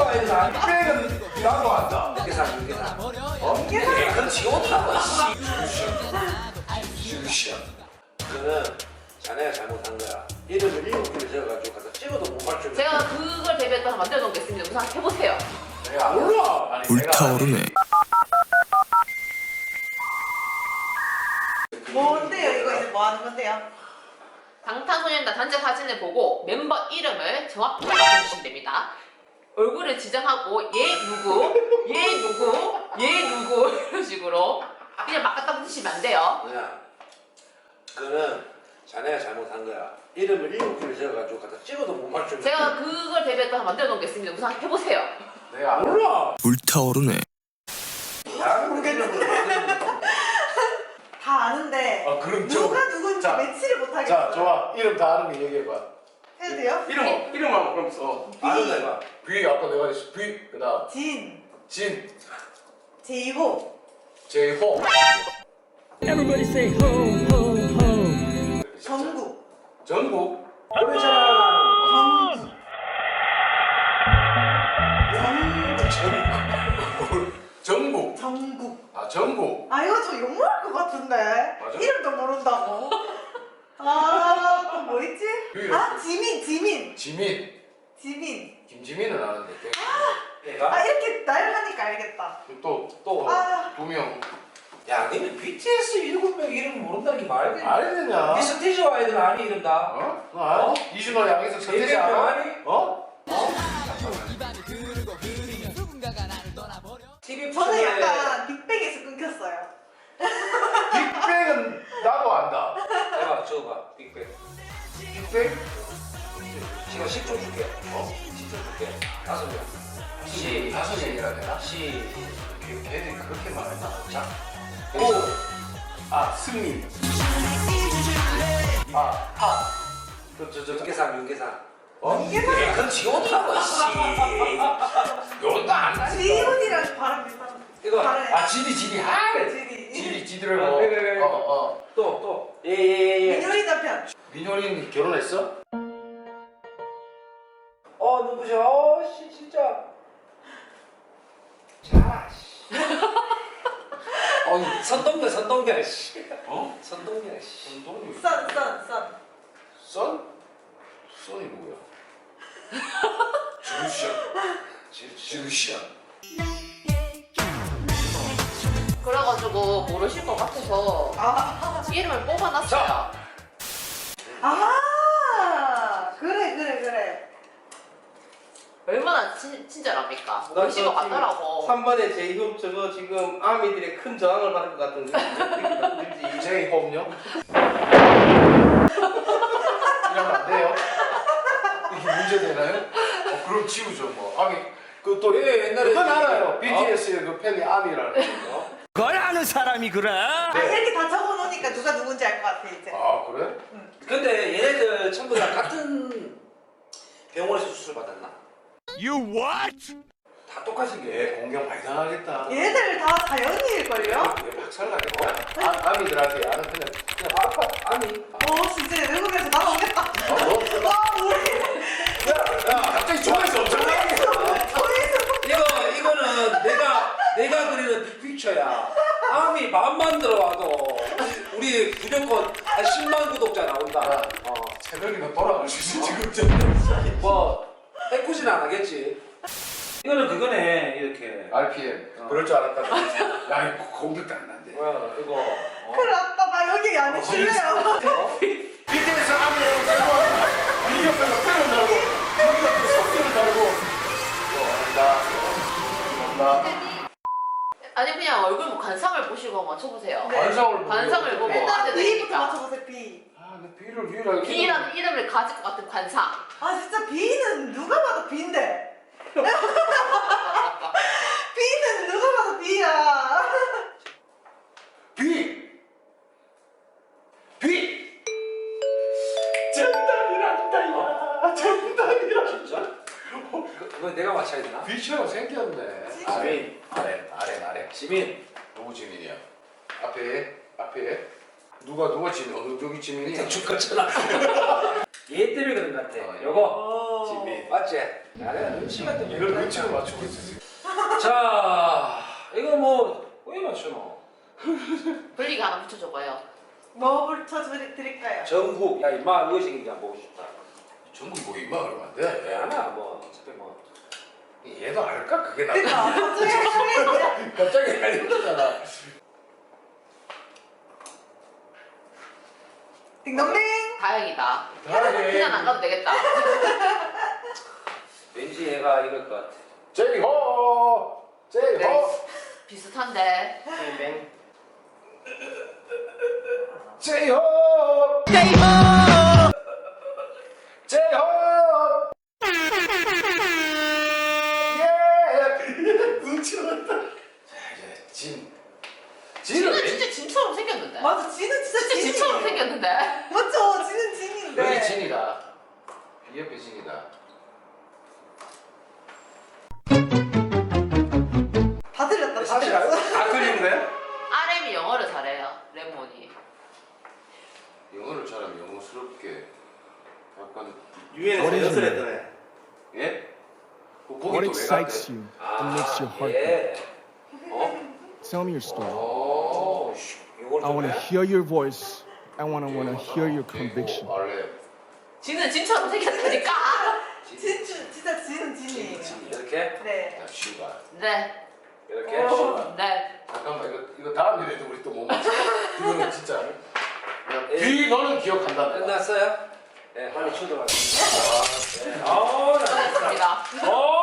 빅백은 나도 안다. 계산. 그건 지웠다고. 주시야. 그거는 자네가 잘못한 거야. 이름을 7개를 적어가지고 가서 찍어도 못 맞추면. 제가 그걸 대비해서 만들어 놓겠습니다. 우선 해보세요. 내가 몰라. 불타오르네. 뭔데요? 이거 이제 뭐 하는 건데요? 방탄소년단 단체 사진을 보고 멤버 이름을 정확히 맞춰주시면 됩니다. 얼굴을 지정하고 얘 누구 이런 식으로 그냥 막 갖다 붙이시면 안 돼요. 그냥 그거는 자네가 잘못한 거야. 이름을 7개를 적어가지고 가서 찍어도 못 맞추면. 제가 그걸 대비해서 만들어 놓겠습니다. 우선 해보세요. 내가 몰라. 불타오르네. 다 아는데 아 그럼 누가 누군지 자, 매치를 못하겠어. 자 좋아. 이름 다 아는 거 얘기해봐. 해도 돼요? 이름하고 그럼 써. 아는 거 해봐. B 아까 내가 했어. B 그다음 진 제이호, 제호. Everybody say ho, ho, ho. 정국, 전국. 그러잖아. 전국. 정국. 아 전국. 아 이거 좀 욕먹을 것 같은데. 맞아? 이름도 모른다고. 아, 또 뭐 있지? 유일해. 아, 지민. 지민. 김지민은 아는데. 내가? 아, 이렇게 날 하니까 알겠다. 또 아. 2명. 야, 너는 BTS 7명 이름 모른다는 게 말이 돼? 알겠냐? 니 스테이지 와이드는 아니 이름 다. 어? 너 알아? 이준호 양에서 서태지 대표 알아? 아니? 어? TV 저는 프로에 약간 빅뱅에서 끊겼어요. 빅뱅은 나도 안다. 해봐, 적어봐. 빅뱅. 빅뱅? 지금 10초 줄게. 10초 줄게. 5명. 다섯 명이라 되나? 걔들이 그렇게 말했나? 자. 아, 승민. 아, 하. 윤계상, 윤계상. 어? 그건 지원이라고, 씨. 요것도 안 나지. 지훈이랑 발음 비슷한. 이거. 발음이. 아, 지디. 하래. 지디. 지디를 어, 뭐. 그래. 또. 예. 민효리 남편. 민효린 결혼했어? 누구셔? 씨, 진짜. 자, 씨. 선동열, 씨. 어? 선동열, 씨. 손동이. 선. 선? 선이 누구야? 지루시야. 그래가지고 모르실 것 같아서 아, 이름을 뽑아놨어요. 그래. 얼마나 친절합니까? 모르실 것 같더라고. 3번에 제이홉 저거 지금 아미들의 큰 저항을 받을 것 같은 느낌이 제이홉요? 이러면 안 돼요? 이게 문제 되나요? 그럼 지우죠 뭐. 아미 그또 옛날에 그건 알아요. BTS의 그 팬이 아미라는 거. 그걸 아는 사람이 그래? 아, 이렇게 다 적어놓으니까 누가 누군지 알 것 같아 이제. 아 그래? 근데 얘네들 전부 다 같은 병원에서 수술 받았나? You what? 다 똑같이 얘 게. 공경 많이 당하겠다. 얘들 다 자연인일걸요? 얘 박살 나겠다. 아미들한테 아는 그냥 아니. 진짜 외국에서 나오겠다. 너? 우리 야 갑자기 좋아해서 엄청 나겠어. 이거는 내가 그리는 빅픽처야. 아미 마음만 들어와도 우리 구독권 한 10만 구독자 나온다. 새벽이나 돌아갈 수 있어 지금. 뭐 해코지는 안 하겠지. 이거는 그거네 이렇게. RPM. 그럴 줄 알았다. 야 이거 공격도 안 난대. 뭐야 이거. 큰일 났다. 나 여기 안 해줄래요. BTS 아미라고 달고 미디어별로 팬을 달고 여기가 또 석기를 달고. 감사합니다. 아니 그냥 얼굴 뭐 관상을 보시고 맞춰보세요. 네. 관상을 보고 일단 하면 B부터 되니까. 맞춰보세요. B. 근데 B를 유일하게. B라는 이름을 가질 것 같은 관상. 아 진짜 B는 누가 봐도 B인데. B는 누가 봐도 B야. B. 정답이란다 야. 정답이라. 진짜? 그거 내가 맞춰야 되나? B처럼 생겼네. 지민. 아래. 지민. 누구 지민이야? 앞에. 누가 지민? 어느 쪽이 지민이야? 대충 같잖아. 얘 때문에 그런 것 같아. 어, 요거 진미. 맞지? 나는 눈치가 좀 이걸 눈치로 맞추고 있었지. 자, 이거 뭐 왜 맞추노? 분리가 하나 붙여줘봐요. 뭐 붙여드릴까요? 정국. 야 임마 무엇인지 한번 보고 싶다. 전국이 뭐 임마 그러면 안 돼. 하나 뭐 어차피 뭐. 얘도 알까? 그게 나. 그러니까 갑자기 헷갈리네. 갑자기 헷갈리잖아. 딩동댕. 다행이다. 다행해. 그냥 안 가도 되겠다. 왠지 얘가 이럴 것 같아. 제이호! 제이호! 네. 비슷한데. 뱅뱅. 제이호! 제이호! 제이호! 예! 눈치가 났다. 자, 이제 진. 진은 진은 진짜 진처럼 생겼는데. 맞아, 지는 진짜 진짜 진이. 진처럼 생겼는데. 맞죠, 지는 진인데. 여기 진이다. 이 옆에 진이다. 다 들렸다, 다 사실 들렸어. 안 틀리는데? RM이 영어를 잘해요. 레몬이. 영어를 잘하면 영어스럽게 약간 유엔에서 What is 연설 it? 했더네. 예? 그 What 거기 또왜 excites 갔대? you and makes your heart beat? 예. Tell me your story. 오, 이걸 I want to 좀 해? hear your voice. I want to hear your conviction. 원래 진은 진처럼 생겼다니까. 진짜 지는 진이에요. 이렇게? 네. 자, 시바. 네. 이렇게? 네. 잠깐만 이거 다음 일에도 우리 또 못 맞춰. 이거는 진짜. 야, 예. 뒤 너는 기억한다. 끝났어요? 네, 빨리 쳐들어가겠습니다. 아, 네. 아우, 나 수고하셨습니다. 어,